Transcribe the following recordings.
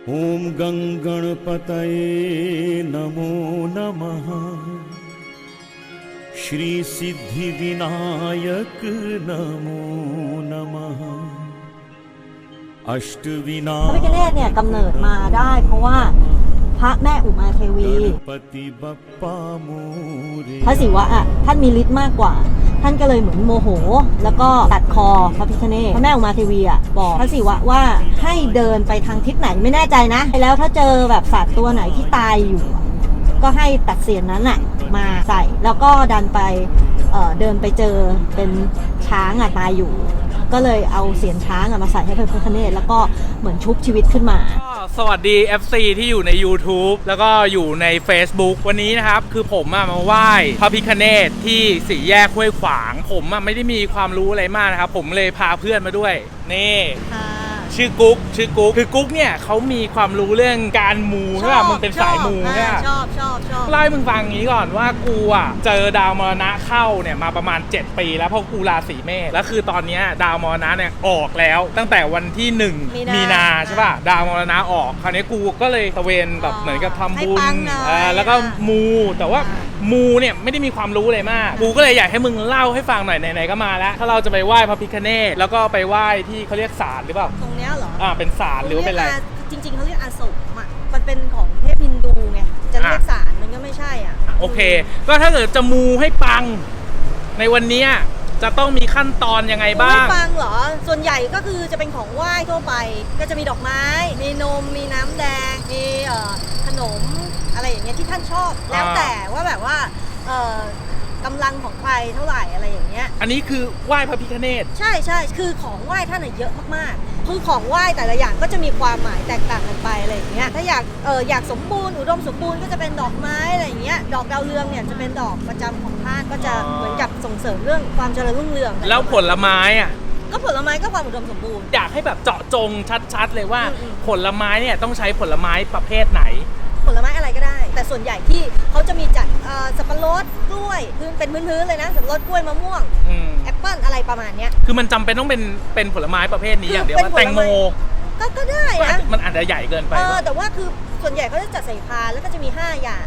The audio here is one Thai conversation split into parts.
ॐ गणपतये नमो नमः। श्री सिद्धिविनायक नमो नमः। พระพิฆเนศเนี่ยกำเนิดมาได้เพราะว่าพระแม่อุมาเทวีพระศิวะอ่ะท่านมีฤทธิ์มากกว่าท่านก็เลยเหมือนโมโหแล้วก็ตัดคอพระพิฆเนศพระแม่อุมาเทวีอ่ะบอกพระศิวะว่าให้เดินไปทางทิศไหนไม่แน่ใจนะแล้วถ้าเจอแบบสัตว์ตัวไหนที่ตายอยู่ก็ให้ตัดเสียนนั้นอ่ะมาใส่แล้วก็ดันไปเดินไปเจอเป็นช้างอ่ะตายอยู่ก็เลยเอาเสียนช้างมาใส่ให้พระพิฆเนศแล้วก็เหมือนชุบชีวิตขึ้นมาสวัสดี FC ที่อยู่ใน YouTube แล้วก็อยู่ใน Facebook วันนี้นะครับคือผมมาไหว้พระพิฆเนศที่สี่แยกห้วยขวางผมไม่ได้มีความรู้อะไรมากนะครับผมเลยพาเพื่อนมาด้วยนี่ชื่อกุ๊กคือกุ๊กเนี่ยเขามีความรู้เรื่องการมูใช่ป่ะมึงเป็นสายมูใช่ป่ะชอบเล่าให้มึงฟังงี้ก่อนว่ากูอ่ะเจอดาวมรณะเข้าเนี่ยมาประมาณ7 ปีแล้วเพราะกูราศีเมษแล้วคือตอนนี้ดาวมรณะเนี่ยออกแล้วตั้งแต่วันที่1 มีนาใช่ป่ะดาวมรณะออกคราวนี้กูก็เลยตะเวนแบบเหมือนกับทำบุญแล้วก็มูแต่ว่ามูเนี่ยไม่ได้มีความรู้อะไรมากกูก็เลยอยากให้มึงเล่าให้ฟังหน่อยไหนๆก็มาแล้วถ้าเราจะไปไหว้พระพิฆเนศแล้วก็ไปไหว้ที่เขาเรียกศาลหรือเปล่าตรงเนี้ยเหรอเป็นศาลหรือว่าเป็นอะไรจริงๆเขาเรียกอาสมอ่ะมันเป็นของเทพฮินดูไงจะเรียกศาลมันก็ไม่ใช่อ่ะโอเคก็ถ้าเกิดจะมูให้ปังในวันนี้จะต้องมีขั้นตอนยังไงบ้างไม่ปังเหรอส่วนใหญ่ก็คือจะเป็นของไหว้ทั่วไปก็จะมีดอกไม้มีนมมีน้ำแดงมีขนมอะไรอย่างเงี้ยที่ท่านชอบแล้วแต่ว่าแบบว่ากำลังของใครเท่าไหร่อะไรอย่างเงี้ยอันนี้คือไหว้พระพิฆเนศใช่คือของไหว้ท่านเยอะมากๆคือของไหว้แต่ละอย่างก็จะมีความหมายแตกต่างกันไปอะไรอย่างเงี้ยถ้าอยากสมบูรณ์อุดมสมบูรณ์ก็จะเป็นดอกไม้อะไรอย่างเงี้ยดอกดาวเรืองเนี่ยจะเป็นดอกประจำของท่านก็จะเหมือนกับส่งเสริมเรื่องความเจริญรุ่งเรืองแล้วผลไม้ก็ผลไม้ก็ความอุดมสมบูรณ์อยากให้แบบเจาะจงชัดๆเลยว่าผลไม้เนี่ยต้องใช้ผลไม้ประเภทไหนผลไม้อะไรก็ได้แต่ส่วนใหญ่ที่เขาจะมีจัดสับปะรดกล้วยเป็นพื้นๆเลยนะสับปะรดกล้วยมะม่วงแอปเปิ้ลอะไรประมาณเนี้ยคือมันจำเป็นต้องเป็นผลไม้ประเภทนี้อย่างเดียวว่าแตงโมก็ได้นะมันอาจจะใหญ่เกินไปแต่ว่าคือส่วนใหญ่เขาจะจัดใส่พานแล้วก็จะมี5 อย่าง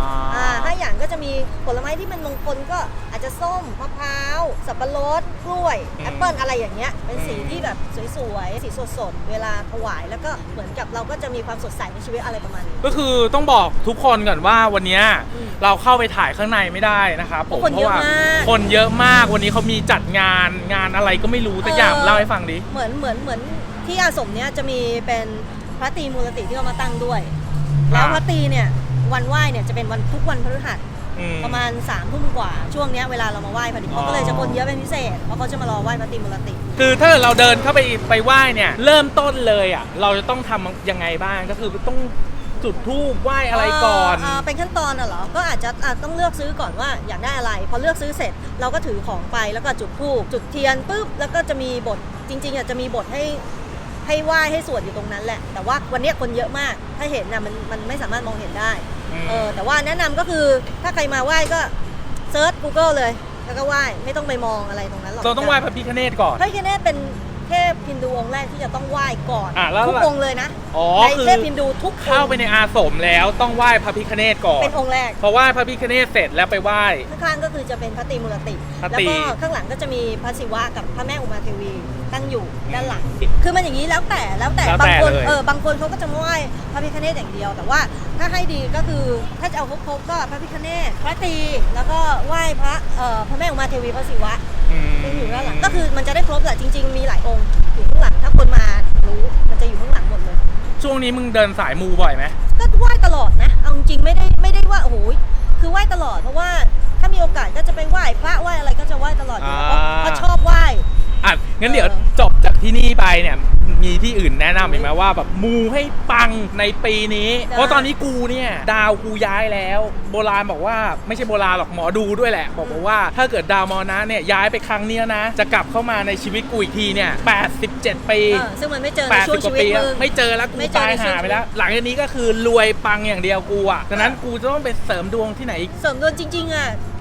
5 อย่างก็จะมีผลไม้ที่มันมงคลก็อาจจะส้มมะพร้าวสับปะรดกล้วยแอปเปิ้ลอะไรอย่างเงี้ยเป็นสีที่แบบสวยๆสีสดๆเวลาถวายแล้วก็เหมือนกับเราก็จะมีความสดใสในชีวิตอะไรประมาณนี้ก็คือต้องบอกทุกคนก่อนว่าวันนี้เราเข้าไปถ่ายข้างในไม่ได้นะครับผมเพราะว่าคนเยอะมากวันนี้เขามีจัดงานอะไรก็ไม่รู้สักอย่างเล่าให้ฟังดิเหมือนที่อาสมเนี้ยจะมีเป็นพระตรีมูลติที่เขามาตั้งด้วยแล้วพระตรีเนี่ยวันไหว้เนี่ยจะเป็นทุกวันพฤหัสประมาณ3 ทุ่มกว่าช่วงนี้เวลาเรามาไหว้พอดีเขาก็เลยจะคนเยอะเป็นพิเศษเพราะเขาจะมารอไหว้พระตรีมูลติคือถ้าเราเดินเข้าไปไหว้เนี่ยเริ่มต้นเลยเราจะต้องทำยังไงบ้างก็คือต้องจุดธูปไหว้อะไรก่อนเป็นขั้นตอนเหรอก็อาจจะต้องเลือกซื้อก่อนว่าอยากได้อะไรพอเลือกซื้อเสร็จเราก็ถือของไปแล้วก็จุดธูปจุดเทียนปุ๊บแล้วก็จะมีบทจริงๆจะมีบทให้ไหว้ให้สวดอยู่ตรงนั้นแหละแต่ว่าวันนี้คนเยอะมากถ้าเห็นมันไม่สามารถมองเห็นได้แต่ว่าแนะนำก็คือถ้าใครมาไหว้ก็เซิร์ช Google เลยแล้วก็ไหว้ไม่ต้องไปมองอะไรตรงนั้นหรอกเราต้องไหว้พระพิฆเนศก่อนพระพิฆเนศเป็นเทพฮินดูองค์แรกที่จะต้องไหว้ก่อนทุกองค์เลยนะในเทพฮินดูทุกเข้าไปในอาสมแล้วต้องไหว้พระพิฆเนศก่อนเป็นองค์แรกพอไหว้พระพิฆเนศเสร็จแล้วไปไหว้ข้างๆก็คือจะเป็นพระตรีมูลติแล้วก็ข้างหลังก็จะมีพระศิวะกับพระแม่อุมาเทวีตั้งอยู่ด้านหลังคือมันอย่างนี้แล้วแต่บางคนบางคนเขาก็จะไหว้พระพิฆเนศอย่างเดียวแต่ว่าถ้าให้ดีก็คือถ้าจะเอาครบก็พระพิฆเนศพระตรีแล้วก็ไหว้พระแม่อุมาเทวีพระศิวะอยู่ด้านหลังก็คือมันจะได้ครบแหละจริงๆมีหลายองค์อยู่ข้างหลังถ้าคนมารู้มันจะอยู่ข้างหลังหมดเลยช่วงนี้มึงเดินสายมูบ่อยไหมก็ไหว้ตลอดนะเอาจริงไม่ได้ว่าโอ้โหคือไหว้ตลอดเพราะว่าถ้ามีโอกาสก็จะไปไหว้พระไหว้อะไรก็จะไหว้ตลอดอยู่เพราะชอบไหว้งั้นเดี๋ยวจบจากที่นี่ไปเนี่ยมีที่อื่นแนะนำไหมว่าแบบมูให้ปังในปีนี้เพราะตอนนี้กูเนี่ยดาวกูย้ายแล้วโบราณบอกว่าไม่ใช่โบราณหรอกหมอดูด้วยแหละบอกว่าถ้าเกิดดาวมรณะเนี่ยย้ายไปครั้งนี้นะจะกลับเข้ามาในชีวิตกูอีกทีเนี่ย87 ปีซึ่งมันไม่เจอในช่วงชีวิตมึงไม่เจอแล้วกูตายหาไปแล้วหลังจากนี้ก็คือรวยปังอย่างเดียวกูดังนั้นกูจะต้องไปเสริมดวงที่ไหนเสริมดวงจริงๆ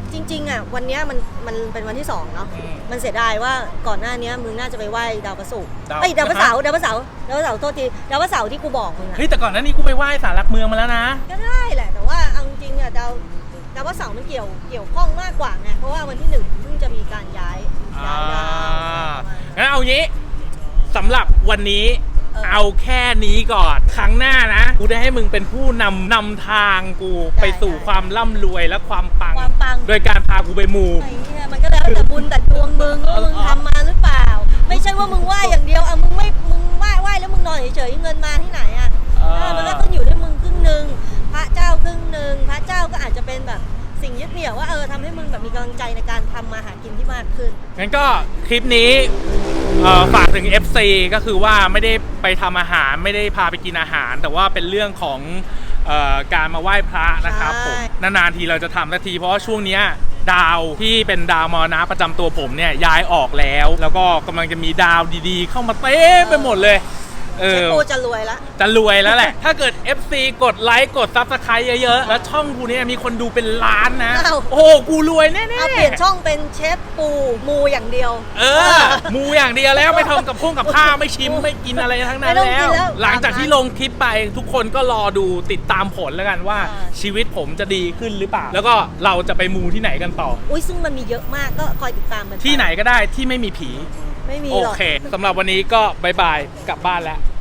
จริงๆอ่ะวันเนี้ยมันเป็นวันที่2เนาะมันเสียดายว่าก่อนหน้านี้มึงน่าจะไปไหว้ดาวพระศุกร์ดาวพระเสาร์โทษทีดาวพระเสาร์ที่กูบอกมึงอะเฮ้ยแต่ก่อนหน้านี้กูไปไหว้ศาลหลักเมืองมาแล้วนะก็ได้แหละแต่ว่าเอาจริงๆอ่ะดาวพระเสาร์มันเกี่ยวข้องมากกว่าไงเพราะว่าวันที่1เพิ่งจะมีการย้ายดาวงั้นเอางี้สำหรับวันนี้เอาแค่นี้ก่อนครั้งหน้านะกูได้ให้มึงเป็นผู้นำทางกูไปสู่ความร่ำรวยและความปังโดยการพากูไปมูไอ้เนี่ยมันก็แล้วแต่บุญแต่ดวงมึงว่ามึงทำมาหรือเปล่าไม่ใช่ว่ามึงไหว้อย่างเดียวอ่ะมึงไหว้แล้วมึงนอนเฉยๆเงินมาที่ไหนอ่ะมันก็ต้องอยู่ด้วยมึงครึ่งนึงพระเจ้าครึ่งนึงพระเจ้าก็อาจจะเป็นแบบสิ่งยึดเหนี่ยวว่าทำให้มึงแบบมีกำลังใจในการทำมาหากินที่มากขึ้นงั้นก็คลิปนี้ฝากถึง FC ก็คือว่าไม่ได้ไปทำอาหารไม่ได้พาไปกินอาหาร แต่ว่าเป็นเรื่องของการมาไหว้พระนะครับผมนานๆทีเราจะทำนาทีเพราะว่าช่วงนี้ดาวที่เป็นดาวมรณะประจำตัวผมเนี่ยย้ายออกแล้วก็กำลังจะมีดาวดีๆเข้ามาเต็มไปหมดเลยเชฟโปจะรวยแล้วแหละ ถ้าเกิด FC กดไลค์กด Subscribe เยอะๆแล้วช่องกูเนี่ยมีคนดูเป็นล้านนะโอ้กูรวยแน่ๆเอาเปลี่ยนช่องเป็นเชฟปูมูอย่างเดียวมูอย่างเดียวแล้วไม่ทำกับข้าวไม่ชิมไม่กินอะไรทั้งนั้นแล้วหลังจากที่ลงคลิปไปทุกคนก็รอดูติดตามผลแล้วกันว่าชีวิตผมจะดีขึ้นหรือเปล่าแล้วก็เราจะไปมูที่ไหนกันต่อซึ่งมันมีเยอะมากก็คอยติดตามมันที่ไหนก็ได้ที่ไม่มีผีไม่มีโอเคสำหรับวันนี้ก็บายบายกลับบ้านแล้ว